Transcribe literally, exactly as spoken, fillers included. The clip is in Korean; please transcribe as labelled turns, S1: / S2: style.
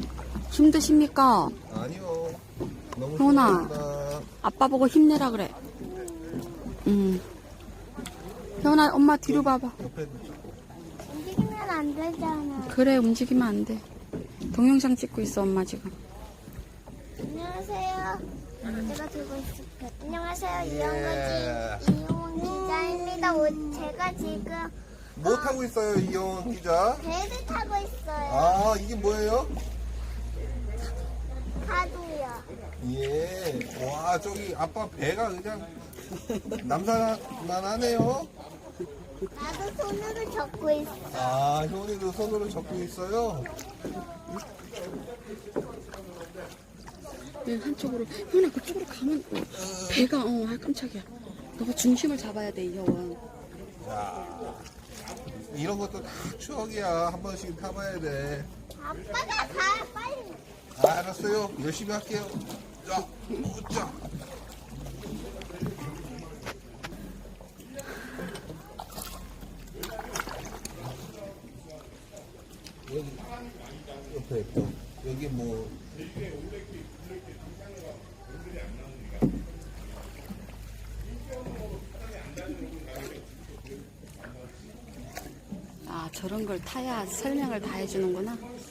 S1: 힘드십니까?
S2: 아니요. 너무
S1: 효은아,
S2: 좋습니다.
S1: 아빠 보고 힘내라 그래. 응. 효은아, 엄마 뒤로 봐봐.
S2: 옆에
S3: 움직이면 안 되잖아.
S1: 그래, 움직이면 안 돼. 동영상 찍고 있어, 엄마 지금.
S3: 안녕하세요. 제가 들고 있을게요. 안녕하세요.
S2: 예.
S3: 이영거지 이용원 기자입니다. 오, 제가 지금
S2: 뭐 타고 있어요, 이영원 기자?
S3: 배를 타고 있어요.
S2: 아, 이게 뭐예요?
S3: 파도요.
S2: 예. 와, 저기 아빠 배가 그냥 남산만 하네요.
S3: 나도 손으로 접고 있어.
S2: 아, 효은이도 손으로 잡고 있어요.
S1: 네, 한쪽으로. 효은아, 그쪽으로 가면 어, 배가, 어, 아, 깜짝이야. 너가 중심을 잡아야 돼, 이효원.
S2: 자, 이런 것도 다 추억이야. 한 번씩 타봐야 돼.
S3: 아빠가 가 빨리.
S2: 아, 알았어요. 열심히 할게요. 자, 어, 자. 여기 옆에 또 여기 뭐
S1: 아, 저런 걸 타야 설명을 다 해주는구나.